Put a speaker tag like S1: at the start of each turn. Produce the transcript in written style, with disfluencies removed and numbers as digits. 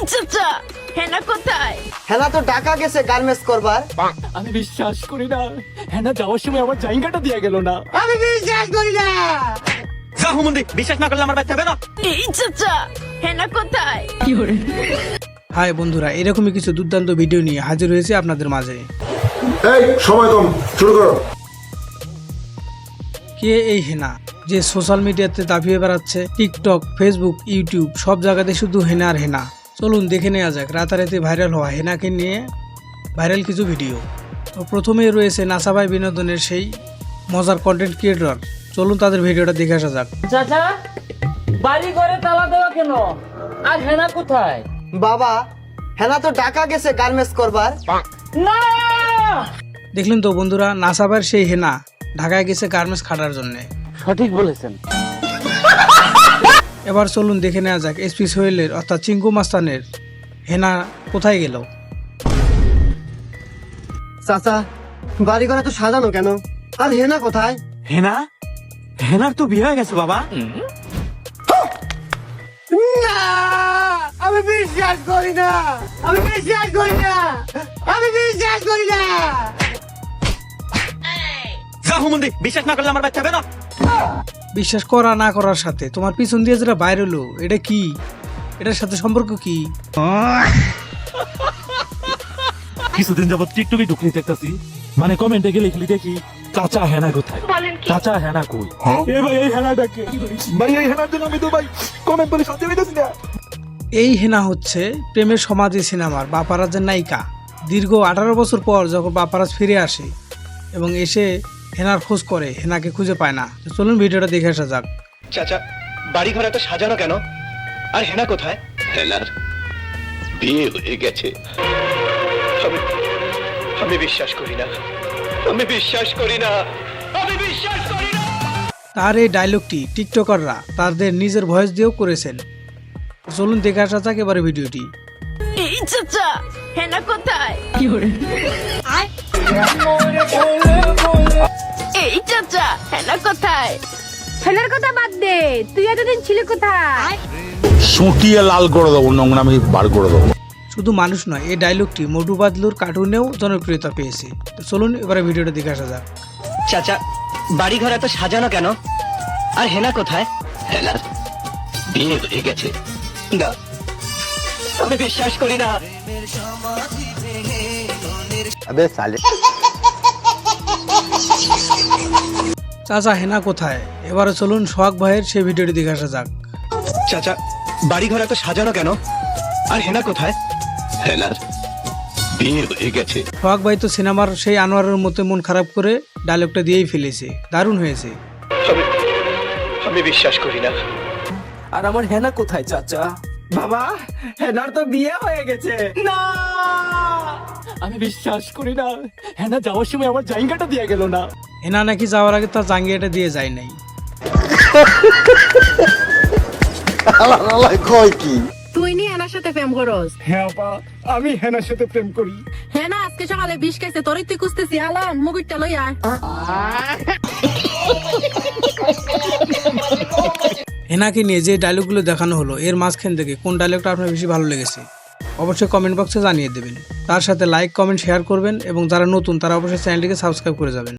S1: চাচা হেনা কোথায়?
S2: হেনা তো ঢাকা গেছে গার্মেন্টস করবার।
S3: আমি বিশ্বাস করি না, হ্যাঁ যাওয়ার সময় আমার জায়গাটা দিয়ে গেল না।
S2: আমি বিশ্বাস করি না।
S3: বিশ্বাস না করলে আমার বাচ্চা বেরো।
S1: এই চাচা হেনা কোথায়?
S4: হাই বন্ধুরা, এরকমই কিছু দুর্দান্ত ভিডিও নিয়ে হাজির হয়েছে আপনাদের মাঝে।
S5: এই সময় কম, শুরু করো।
S4: কে এই হেনা যে সোশ্যাল মিডিয়াতে দাপিয়ে বেড়াচ্ছে? টিকটক, ফেসবুক, ইউটিউব সব জায়গাতে শুধু হেনা আর হেনা। চলুন দেখে নেওয়া যাক রাতারাতি ভাইরাল হওয়া হেনাকে নিয়ে ভাইরাল কিছু ভিডিও। তো প্রথমেই রয়েছে নাসা ভাই বিনোদনের সেই মজার কন্টেন্ট ক্রিয়েটর। চলুন তাদের ভিডিওটা দেখে আসা যাক।
S6: চাচা বাড়ি ঘরে তালা দেওয়া কেন? আর হেনা কোথায়?
S2: বাবা, হেনা তো ঢাকা গেছে গার্মেন্টস করবার।
S6: না
S4: দেখলেন তো বন্ধুরা, নাসা ভাইয়ের সেই হেনা ঢাকায় গেছে গার্মেন্টস খাটার জন্য।
S6: সঠিক বলেছেন।
S4: এবার চলুন দেখে নেওয়া যাক এসপি সোহেলের অর্থাৎ চিঙ্কু মাস্তানের হেনা কোথায় গেল।
S2: চাচা, বাড়ি ঘরে তো সাজানো কেন? আর হেনা কোথায়?
S3: হেনা, হেনার তো বিয়ে হয়ে গেছে বাবা।
S2: না, আমি বিশ্বাস করি না। আমি বিশ্বাস করি না। আমি বিশ্বাস করি না।
S3: বিশ্বাস না করলে আমার বাচ্চা বেরো।
S4: বিশ্বাস করা না করার সাথে তোমার পিছন দিয়ে যেটা বাইরে হলো, এটা কি? এটার সাথে সম্পর্ক কি?
S3: কিছুদিন যাবত টিকটকে ঢুকলি দেখতেছি, মানে কমেন্টে গেলে লিখলি দেখি চাচা হেনা কোথায়, চাচা হেনা কই। এ ভাই এই হেনাটাকে ভাই, এই হেনার জন্য আমি তো ভাই কমেন্ট করে শান্তি পাইতেছি না।
S4: এই হেনা হচ্ছে প্রেমের সমাধি সিনেমার বাপারাজের নায়িকা। দীর্ঘ 18 বছর পর যখন বাপারাজ ফিরে আসে এবং এসে হেনার খোঁজ করে, হেনাকে খুঁজে পায় না। তো চলুন ভিডিওটা দেখে আসা যাক।
S7: চাচা বাড়ি ঘর এত সাজানো কেন? আর হেনা কোথায়? হেনার বিয়ে হয়ে গেছে। আমি আমি বিশ্বাস করি না। আমি বিশ্বাস করি না। আমি বিশ্বাস করি না।
S4: তার এই ডায়লগটি টিকটকাররা তাদের নিজের ভয়েস দিয়েও করেছেন। তো চলুন দেখে আসা যাক এবারে ভিডিওটি।
S1: এই চাচা হেনা কোথায়? এই চাচা হেনা কোথায়?
S8: হেনার কথা বাদ দে, তুই এতদিন ছিলি কোথায়?
S9: সুটিয়ে লাল করে দেবো, নোংরামি বার করে দেবো।
S4: শুধু মানুষ নয়, এই ডায়লগটি মোটু বাদলুর কার্টুনেও জনপ্রিয়তা পেয়েছে। তো চলুন এবারে ভিডিওটা দেখে আসা যাক।
S7: চাচা বাড়ি ঘর এত সাজানো কেন? আর হেনা কোথায়? হেনার বিয়ে হয়ে গেছে। না, আমি বিশ্বাস করি না।
S4: চাচা হেনা কোথায়? এবারে চলুন সোহাগ ভাইয়ের সেই ভিডিওটি দেখে আসা যাক।
S7: চাচা বাড়ি ঘর এত সাজানো কেন? আর হেনা কোথায়? হেনার বিয়ে হয়ে গেছে।
S4: সোহাগ ভাই তো সিনেমার সেই আনোয়ারের মতো মন খারাপ করে ডায়লগটা দিয়েই ফেলেছে। দারুণ হয়েছে।
S7: আমি বিশ্বাস করি না।
S3: আর আমার হেনা কোথায় চাচা? বাবা, হেনার তো বিয়ে হয়ে গেছে। না, আমি বিশ্বাস করি না, হেনা যাওয়ার সময় আমার জায়গাটা দিয়ে গেল না।
S4: হেনা নাকি যাওয়ার আগে তার জাঙ্গিয়াটা দিয়ে যায় নাই।
S8: তুই নি হেনার সাথে প্রেম করস?
S3: হ্যাঁ আপা, আমি হেনার সাথে প্রেম করি।
S8: হেনা আজকে সকালে বিষ খাইছে, তোরই তুই খুঁজতেছি। আলাম মুগুরটা লইয়া।
S4: হেনাকে নিয়ে যে ডায়লগগুলো দেখানো হলো, এর মাঝখান থেকে কোন ডায়লগটা আপনার বেশি ভালো লেগেছে অবশ্যই কমেন্ট বক্সে জানিয়ে দেবেন। তার সাথে লাইক, কমেন্ট, শেয়ার করবেন এবং যারা নতুন তারা অবশ্যই চ্যানেলটিকে সাবস্ক্রাইব করে যাবেন।